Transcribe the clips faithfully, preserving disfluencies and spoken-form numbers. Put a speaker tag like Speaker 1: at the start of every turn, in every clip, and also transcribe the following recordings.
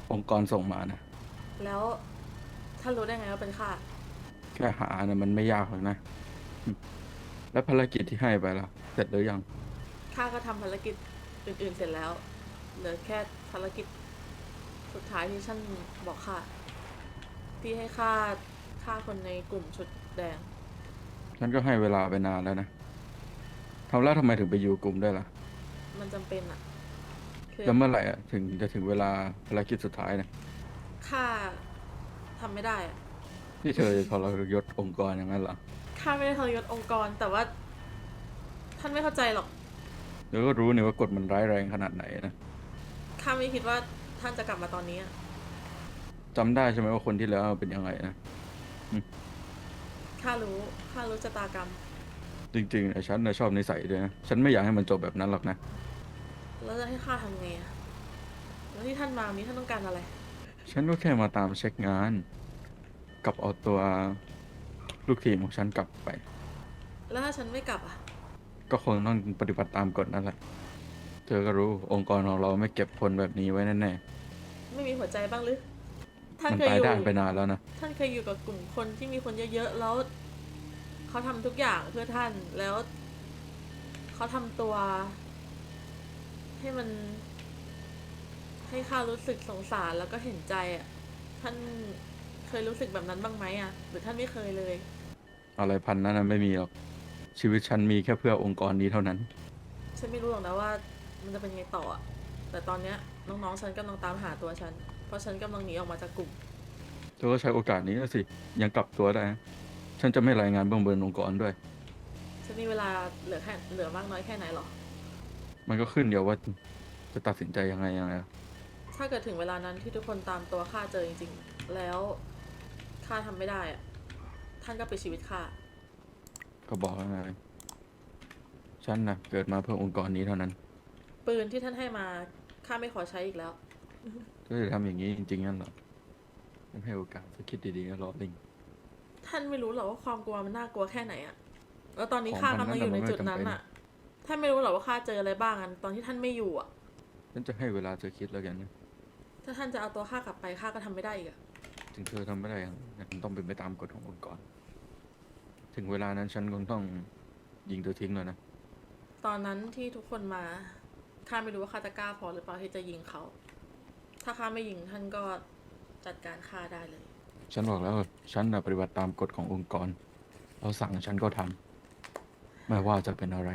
Speaker 1: องค์กรส่งมานะ
Speaker 2: แล้วท่านรู้ได้ไงว่าเป็นข้า
Speaker 1: แค่หานะมันไม่ยากหรอกนะอืมแล้วภารกิจที่ให้ไปล่ะเสร็จหรือยัง
Speaker 2: ข้าก็ทำภารกิจอื่นๆเสร็จแล้วเหลือแค่ภารกิจสุดท้ายที่ท่านบอกข้าที่ให้ข้าฆ่าคนในกลุ่มชุดแดง
Speaker 1: ฉันก็ให้เวลาไปนานแล้วนะทำแล้วทำไมถึงไปอยู่กลุ่มได้วยล่ะ
Speaker 2: มันจำเป็นอะคือ
Speaker 1: แล้วเมื่อไหร่อะถึงจะถึงเวลาภารกิจสุดท้ายนะ
Speaker 2: ข้าทำไม่ได้อะ
Speaker 1: ที่เธอจะทรยศองค์กรอย่างนั้นเหรอ
Speaker 2: ข้าไม่ได้ทรยศองค์กรแต่ว่าท่านไม่เข้าใจหรอก
Speaker 1: เดี๋ยวก็รู้นี่ว่ากฎมันร้ายแรงขนาดไหนนะ
Speaker 2: ข้าไม่คิดว่าท่านจะกลับมาตอนนี้อะ
Speaker 1: จำได้ใช่ไหมว่าคนที่แล้วเป็นยังไงนะอืม
Speaker 2: ข้ารู้ข้ารู้ชะตากรรม
Speaker 1: จริงๆนะฉันนะชอบนิสัยด้วยนะฉันไม่อยากให้มันจบแบบนั้นหรอกนะ
Speaker 2: แล้วจะให้ข้าทำไงอะแล้วที่ท่านมาวันนี้ท่านต้องการอะไร
Speaker 1: ฉันก็แค่มาตามเช็คงานกับเอาตัวลูกทีมของฉันกลับไป
Speaker 2: แล้วถ้าฉันไม่กลับอะ
Speaker 1: ก็คงต้องปฏิบัติตามกฎนั่นแหละ เธอก็รู้องค์กรของเราไม่เก็บคนแบบนี้ไว้แน่
Speaker 2: ไม่มีหัวใจบ้างหรือท่า
Speaker 1: ๆมัน
Speaker 2: นเคยอยู่
Speaker 1: ตายด้านไปนานแล้วนะ
Speaker 2: ท่านเคยอยู่กับกลุ่มคนที่มีคนเยอะๆแล้วเขาทำทุกอย่างเพื่อท่านแล้วเขาทำตัวให้มันให้ข้ารู้สึกสงสารแล้วก็เห็นใจอ่ะท่านเคยรู้สึกแบบนั้นบ้างไหมอ่ะหรือท่านไม่เคยเลย
Speaker 1: อะไรพันนั้นนะไม่มีหรอกชีวิตฉันมีแค่เพื่อองค์กรนี้เท่านั้น
Speaker 2: ฉันไม่รู้หรอกนะว่ามันจะเป็นไงต่ออะแต่ตอนเนี้ยน้องๆฉันกำลังตามหาตัวฉันเพราะฉันกำลังหนีออกมาจากกลุ่ม
Speaker 1: เธอก็ใช้โอกาสนี้นะสิยังกลับตัวได้นะฉันจะไม่รายงานเบื้องบนองค์กรด้วย
Speaker 2: ฉันมีเวลาเหลือแค่เหลือมากน้อยแค่ไหนหรอ
Speaker 1: มันก็ขึ้นเดียวว่าจะตัดสินใจยังไงยังไง
Speaker 2: ถ้าเกิดถึงเวลานั้นที่ทุกคนตามตัวข้าเจอจริงๆแล้วข้าทำไม่ได้อะท่านก็ปิดชีวิตข้า
Speaker 1: ก็บอกแล้วไงฉันนะเกิดมาเพื่อองค์กรนี้เท่านั้น
Speaker 2: ปืนที่ท่านให้มาข้าไม่ขอใช้อีกแล้ว
Speaker 1: เธอจะทำอย่างนี้จริงๆงั้นเหรอฉันให้โอกาสสักคิดดีๆก็รอลิง
Speaker 2: ท่านไม่รู้หรอว่าความกลัวมันน่ากลัวแค่ไหนอะแล้วตอนนี้
Speaker 1: ของ
Speaker 2: ข้า
Speaker 1: พันนั้น
Speaker 2: กำลังอยู่ใน
Speaker 1: นะมันไม่จำเป็น
Speaker 2: จุดนั้นอะท่านไม่รู้หรอว่าข้าเจออะไรบ้างอะตอนที่ท่านไม่อยู่อะ
Speaker 1: ฉันจะให้เวลาเธอคิดแล้วกันนะ
Speaker 2: ถ้าท่านจะเอาตัวข้ากลับไปข้าก็ทำไม่ได้อีกอะ
Speaker 1: ถึงเธอทำไม่ได้ยังมันต้องเป็นไปตามกฎขององค์กรถึงเวลานั้นฉันคงต้องยิงเธอทิ้งแล้วนะ
Speaker 2: ตอนนั้นที่ทุกคนมาข้าไม่รู้ว่าข้าจะกล้าพอหรือเปล่าที่จะยิงเขาถ้าข้าไม่ยิงท่านก็จัดการข้าได้เลย
Speaker 1: ฉันบอกแล้วฉันนะปฏิบัติตามกฎขององค์กรเราสั่งฉันก็ทำไม่ว่าจะเป็นอะไร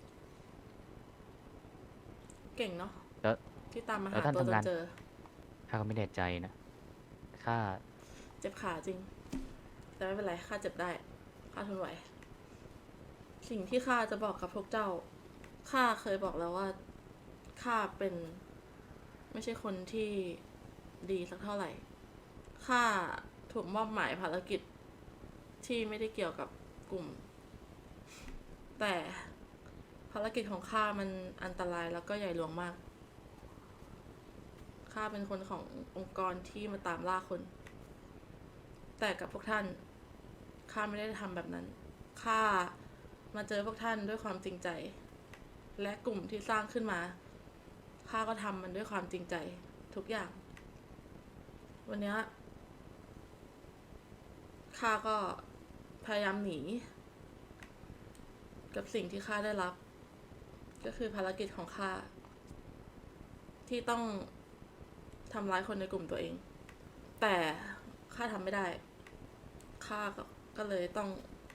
Speaker 2: เก่งเนาะ
Speaker 3: แล้ว
Speaker 2: ที่ตามมา
Speaker 3: แล้ว
Speaker 2: หา
Speaker 3: ท่านทำงาน
Speaker 2: ตัวจนเจอ
Speaker 3: ข้าก็ไม่แน่ใจนะข้า
Speaker 2: เจ็บขาจริงแต่ไม่เป็นไรข้าเจ็บได้ข้าทนไหวสิ่งที่ข้าจะบอกกับพวกเจ้าข้าเคยบอกแล้วว่าข้าเป็นไม่ใช่คนที่ดีสักเท่าไหร่ข้าถูกมอบหมายภารกิจที่ไม่ได้เกี่ยวกับกลุ่มแต่ภารกิจของข้ามันอันตรายแล้วก็ใหญ่หลวงมากข้าเป็นคนขององค์กรที่มาตามล่าคน แต่กับพวกท่านข้าไม่ได้ทำแบบนั้นข้ามาเจอพวกท่านด้วยความจริงใจ และกลุ่มที่สร้างขึ้นมาข้าก็ทำมันด้วยความจริงใจทุกอย่าง วันนี้ข้าก็พยายามหนีกับสิ่งที่ข้าได้รับ ก็คือภารกิจของข้าที่ต้องทำร้ายคนในกลุ่มตัวเอง แต่ข้าทำไม่ได้ข้าก็เลยต้อง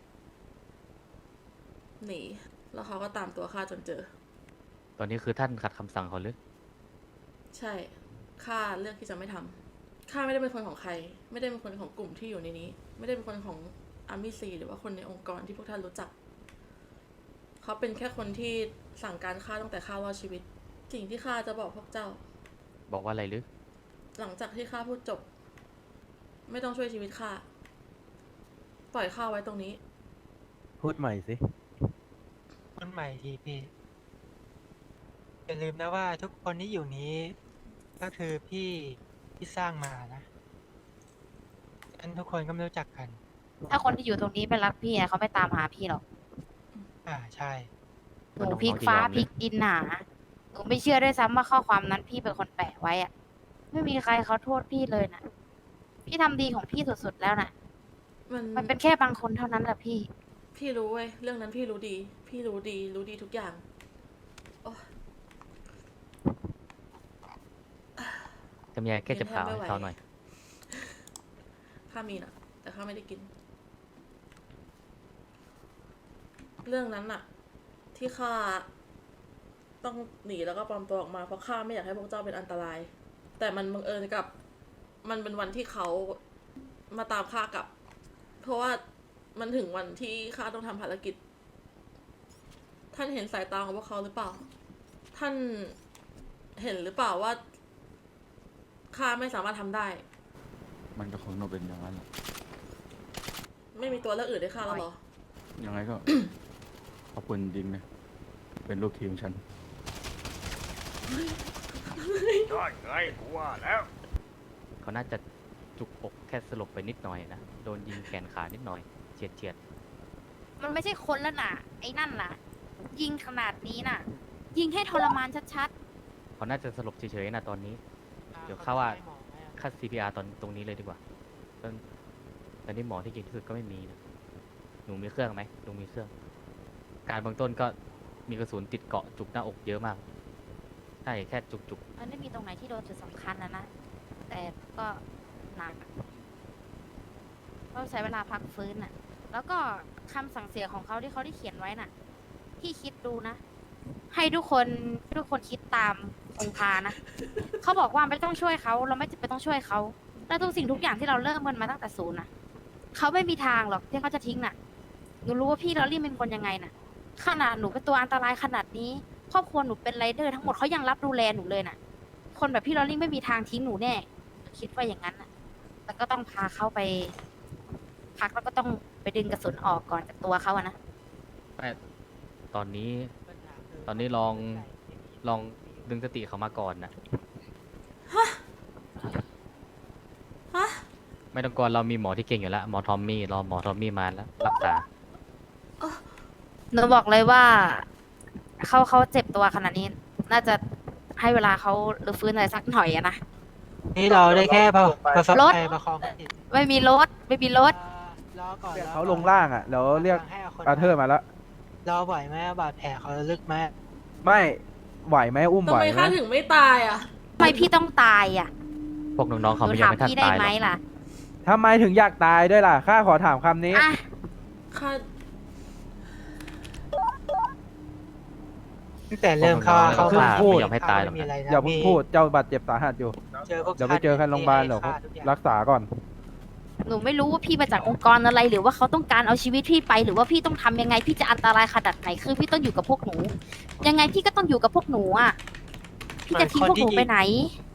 Speaker 2: หนีแล้วเขาก็ตามตัวข้าจนเจอ
Speaker 3: ตอนนี้คือท่านขัดคำสั่งเขาหรือ
Speaker 2: ใช่ข้าเลือกที่จะไม่ทำข้าไม่ได้เป็นคนของใคร ไม่ได้เป็นคนของกลุ่มที่อยู่ในนี้ ไม่ได้เป็นคนของอาร์มี่ซีหรือว่าคนในองค์กรที่พวกท่านรู้จัก เขาเป็นแค่คนที่สั่งการข้าตั้งแต่ข้ารอดชีวิต สิ่งที่ข้าจะบอกพวกเจ้า
Speaker 3: บอกว่าอะไรหรือ
Speaker 2: หลังจากที่ข้าพูดจบ ไม่ต้องช่วยชีวิตข้าปล่อยข้าไว้ตรงนี้
Speaker 4: พูดใหม่สิ
Speaker 5: คนใหม่ทีพี่อย่าลืมนะว่าทุกคนที่อยู่นี้ ก็คือพี่ที่สร้างมานะอันทุกคนก็ไม่รู้จักกัน
Speaker 6: ถ้าคนที่อยู่ตรงนี้ไม่รักพี่อะเขาไม่ตามหาพี่หรอก
Speaker 5: อ่าใช่
Speaker 6: หนู
Speaker 3: ว่าน้
Speaker 6: พลิก
Speaker 3: องๆจะย
Speaker 6: ฟ้า
Speaker 3: อมเลย
Speaker 6: พลิกดินหาหนูไม่เชื่อด้วยซ้ำว่าข้อความนั้นพี่เป็นคนแปะไว้อะไม่มีใครเขาโทษพี่เลยนะพี่ทำดีของพี่สุดๆแล้วนะ
Speaker 2: มัน
Speaker 6: มันเป็นแค่บางคนเท่านั้นแหละพี่
Speaker 2: พี่รู้เว้ยเรื่องนั้นพี่รู้ดี พี่รู้ดี รู้ดีทุกอย่างโอ้
Speaker 3: จำยายแก้เจ็บขา
Speaker 2: ไม่ไหว
Speaker 3: ให้เขาหน่อย
Speaker 2: ข้ามีนะแต่ข้าไม่ได้กิน เรื่องนั้นน่ะ ที่ข้าต้องหนีแล้วก็ปลอมตัวออกมาเพราะข้าไม่อยากให้พวกเจ้าเป็นอันตราย แต่มันบังเอิญกับ มันเป็นวันที่เขามาตามข้ากลับ เพราะว่ามันถึงวันที่ข้าต้องทำภารกิจ ท่านเห็นสายตาของพวกเขาหรือเปล่า ท่านเห็นหรือเปล่าว่าข้าไม่สามารถทำได้
Speaker 1: มันก็คงต้องเป็นอย่างนั้นแหละ
Speaker 2: ไม่มีตัวเลือกอื่นให้ข้าแล้วเหรอ
Speaker 1: ยังไงก็ ขอบคุณจริงนะเป็นลูกทีมฉัน
Speaker 7: ใช่ไงกูว่าแล้ว
Speaker 3: เขาน่าจะจุกอกแค่สลบไปนิดหน่อยนะ โดนยิงแขนขานิดหน่อยเฉียดเฉียด
Speaker 6: มันไม่ใช่คนแล้วน่ะ ไอ้นั่นน่ะ ยิงขนาดนี้น่ะ ยิงให้ทรมานชัด
Speaker 3: ๆเขาน่าจะสลบเฉยๆนะตอนนี้ เดี๋ยวเข้าว่า ค่า ซี พี อาร์ ตอนตรงนี้เลยดีกว่าตอนตอนนี้หมอที่เก่งที่สุดก็ไม่มีนะหนูมีเครื่องไหมหนูมีเครื่อง การเบื้องต้นก็มีกระสุนติดเกาะจุกหน้าอกเยอะมาก ใช่แค่จุก
Speaker 6: ๆ มันไม่มีตรงไหนที่โดนจุดสำคัญนะนะ แต่ก็หนักอะต้องใช้เวลาพักฟื้นน่ะ แล้วก็คำสั่งเสียของเขาที่เขาได้เขียนไว้น่ะ พี่คิดดูนะ ให้ทุกคนทุกคนคิดตามองค์พานะ เขาบอกว่าไม่ต้องช่วยเขา เราไม่จำเป็นต้องช่วยเขา แล้วทุกสิ่งทุกอย่างที่เราเริ่มมันมาตั้งแต่ศูนย์น่ะ เขาไม่มีทางหรอกที่เขาจะทิ้งน่ะ หนูรู้ว่าพี่ลอรี่เป็นคนยังไงน่ะ ขนาดหนูเป็นตัวอันตรายขนาดนี้ ครอบครัวหนูเป็นไรเดอร์ทั้งหมดเขายังรับดูแลหนูเลยน่ะ คนแบบพี่ลอรี่ไม่มีทางทิ้งหนูแน่ คิดว่าอย่างนั้นน่ะ แต่ก็ต้องพาเขาไป พักแล้วก็ต้องไปดึงกระสุนออกก่อนจากตัวเขาอะนะ
Speaker 3: ๆแต่ตอนนี้ ตอนนี้ลอง ลองดึงสติเขามาก่อนนะ
Speaker 2: ฮะ
Speaker 3: ไม่ต้องกลัวเรามีหมอที่เก่งอยู่แล้ว หมอทอมมี่ รอหมอทอมมี่มาแล้ว รักษา
Speaker 6: หนูบอกเลยว่าเขาเขาเจ็บตัวขนาดนี้ น่าจะให้เวลาเขาหรือฟื้นอะไรสักหน่อยอะนะ
Speaker 5: นี่เราได้แค่ประประสบ
Speaker 6: รถ
Speaker 5: ภัยประคองจิต
Speaker 6: ไม่มีรถ ไม่มีรถ
Speaker 5: เอ่อรอก่อน
Speaker 4: เรียก
Speaker 5: รอ
Speaker 4: เขา
Speaker 5: ก่อน
Speaker 4: ลงล่างอ่ะแล้วเรียก
Speaker 5: ให้คน
Speaker 4: อาเธอร์มาแล้ว
Speaker 5: รอไหวไหมบาดแผลเขาลึกไหม
Speaker 4: ไม่ไหวไหมอุ้ม
Speaker 2: ทำ
Speaker 4: ไหว
Speaker 2: ไม
Speaker 4: ไหม
Speaker 2: ข้าถึงไม่ตายอ่ะ
Speaker 6: ทำไมพี่ต้องตายอะ
Speaker 3: พวกน้องๆ
Speaker 6: ห
Speaker 3: เขา
Speaker 6: นู
Speaker 3: ไม่ยั
Speaker 6: ถาง ม
Speaker 3: ไม่ทัน
Speaker 6: พี่ได้
Speaker 3: ตายห
Speaker 6: ไห
Speaker 3: ร
Speaker 6: ม
Speaker 3: อก
Speaker 6: ล่ะ
Speaker 4: ทำไมถึงอยากตายด้วยล่ะข้าขอถามคำนี้
Speaker 6: อ่ะ
Speaker 2: ข้า
Speaker 5: ตั้งแต่เริ่มเข้า
Speaker 3: พวกน้องๆ
Speaker 5: เข้า
Speaker 3: เขา
Speaker 5: มา
Speaker 3: ไม่ยอมให้ตายหรอก
Speaker 5: ไม่มี
Speaker 3: นะ
Speaker 5: อะไรนะ
Speaker 4: อย่าเพิ่ง
Speaker 5: พี่
Speaker 4: พูดเจ้าบาดเจ็บสาหัสอยู่
Speaker 5: เจอพวก
Speaker 4: เดี๋ยวไปเจอกันโรงพยาบาลเดี๋ยว
Speaker 5: ฆ่ทุกอย่าง
Speaker 4: รักษาก่อน
Speaker 6: หนูไม่รู้ว่าพี่มาจากองค์กรอะไร หรือว่าเขาต้องการเอาชีวิตพี่ไป หรือว่าพี่ต้องทำยังไง พี่จะอันตรายขนาดไหน คือพี่ต้องอยู่กับพวกหนู ยังไงพี่ก็ต้องอยู่กับพวกหนูอ่ะ พี่จะทิ้งพวกหนูไปไหน